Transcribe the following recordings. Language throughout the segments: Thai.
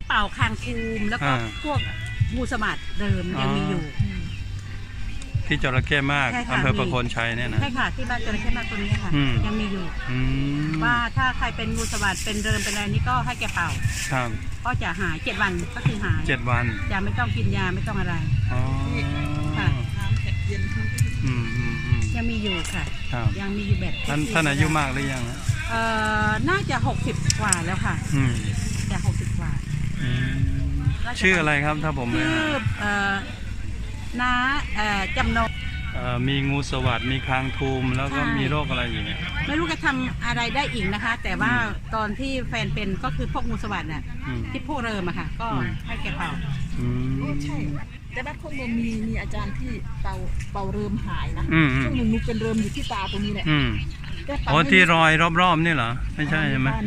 เป่าคางทูมแล้วก็พวกงูสวัสดเดิมยังมีอยู่ที่จระเข้มากอำเภอประโคนชัยเนี่ยนะใช่ค่ะที่บ้านจระเข้มากตัวนี้ค่ะยังมีอยู่ว่าถ้าใครเป็นงูสวัสดเป็นเดิมเป็นอะไรนี่ก็ให้แกเป่าครับก็จะหาย7 วันก็คือหาย 7 วันจะไม่ต้องกินยาไม่ต้องอะไรค่ะยังมีอยู่ค่ะยังมีอยู่แบบท่านอายุมากหรือยังน่าจะ60 กว่าแล้วค่ะจะ60 กว่าชื่ออะไรครับถ้าผมชื่อน้าจำนงมีงูสวัสดมีคางทูมแล้วก็มีโรคอะไรอย่างเงี้ยไม่รู้จะทำอะไรได้อีกนะคะแต่ว่าตอนที่แฟนเป็นก็คือพวกงูสวัสดน่ะที่พวกเริมอะค่ะก็ให้แกเป่าใช่แต่บ้านคนเมืองมีอาจารย์ที่เป่าเริมหายนะช่วงหนึ่งนูเป็นเริมอยู่ที่ตาตรงนี้แหละอ๋อที่รอยรอบๆนี่เหรอไม่ใช่ใช่ไหม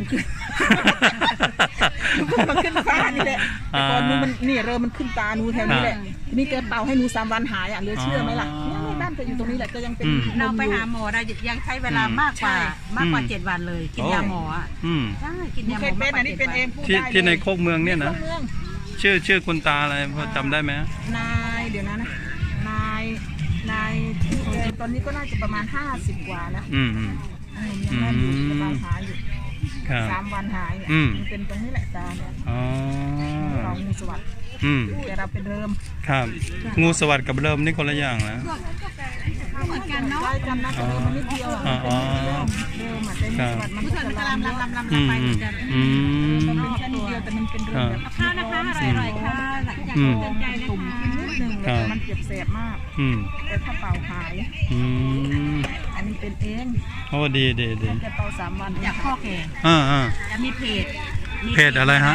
มันขึ้นฟ้านี่แหละแต่ก่อนนูมันนี่เริมมันขึ้นตานูแถวนี้แหละนี่แกเป่าให้นู3 วันหายเหลือเชื่อไหมล่ะเนี่ยบ้านแกอยู่ตรงนี้แหละก็ยังเป็นเราไปหาหมอได้ยังใช้เวลามากกว่า7 วันเลยกินยาหมอใช่กินยาหมอมากกว่า7 วันที่ในโคกเมืองเนี่ยนะชื่อคุณตาอะไรพอจำได้ไหมนายเดี๋ยวนะนายตอนนี้ก็น่าจะประมาณ50 กว่าแล้วยังแม่อยู่กำลังหายอยู่3 วันหายมันเป็นตรงนี้แหละตาเนี่ยเรางูสวัสดิ์แต่เราเป็นเริ่มครับงูสวัสดิ์กับเริ่มนี่คนละอย่างนะเหมือนกันเนาะใช่กันนะแต่เริ่มมันนิดเดียวเริ่มแต่งูสวัสดิ์มันก็จะลำไปมันเป็นแค่นิดเดียวแต่มันเป็นเริ่มแบบข้าวนะคะอร่อยๆค่ะหลังจากเตือนใจนะคะนิดนึงแต่มันเจ็บแสบมากแต่ถ้าเป่าหายอันนี้เป็นเองโอ้ดีแกเป่า3 วันอยากข้อแกจะมีเพจอะไรฮะ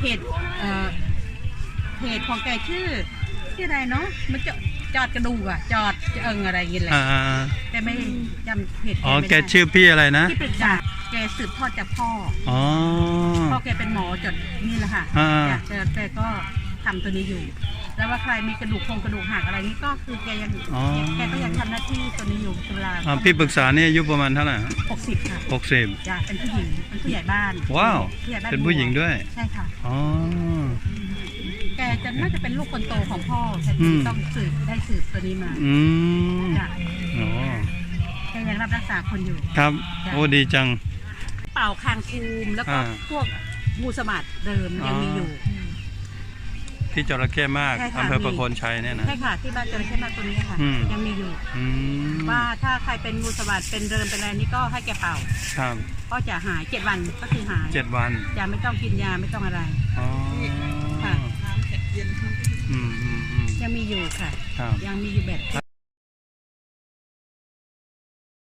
เพจของแกชื่ออะไรเนาะมันจอดกระดูกอะจอดอะไรอย่างเงี้ยแหละแต่ไม่จำเพจแกชื่อพี่อะไรนะที่ปรึกษาแกสืบทอดจากพ่อแกเป็นหมอจดนี่แหละค่ะแกก็ทำตัวนี้อยู่แล้วว่าใครมีกระดูกหักอะไรนี่ก็คือแกก็ยังทำหน้าที่ตัวนี้อยู่ตุลาพี่ปรึกษาเนี่ยอายุประมาณเท่าไหร่ 60ค่ะ 60 จ้ะเป็นผู้หญิงเป็นผู้ใหญ่บ้านว้าวเป็นผู้หญิงด้วยใช่ค่ะแกน่าจะเป็นลูกคนโตของพ่อแกต้องได้สืบตัวนี้มาจ้ะแกยังรับรักษาคนอยู่ครับโอ้ดีจังเป่าคางทูมแล้วก็พวกงูสวัสดเดิมยังมีอยู่ที่จระเข้มากอำเภอประโคนชัยเนี่ยนะใช่ค่ะที่บ้านจระเข้มากตัวนี้ค่ะยังมีอยู่ว่าถ้าใครเป็นงูสวัสดเป็นเดิมเป็นอะไรนี่ก็ให้แกเป่าก็จะหาย7 วันก็คือหาย 7 วันจะไม่ต้องกินยาไม่ต้องอะไรค่ะยังมีอยู่ค่ะยังมีอยู่แบบ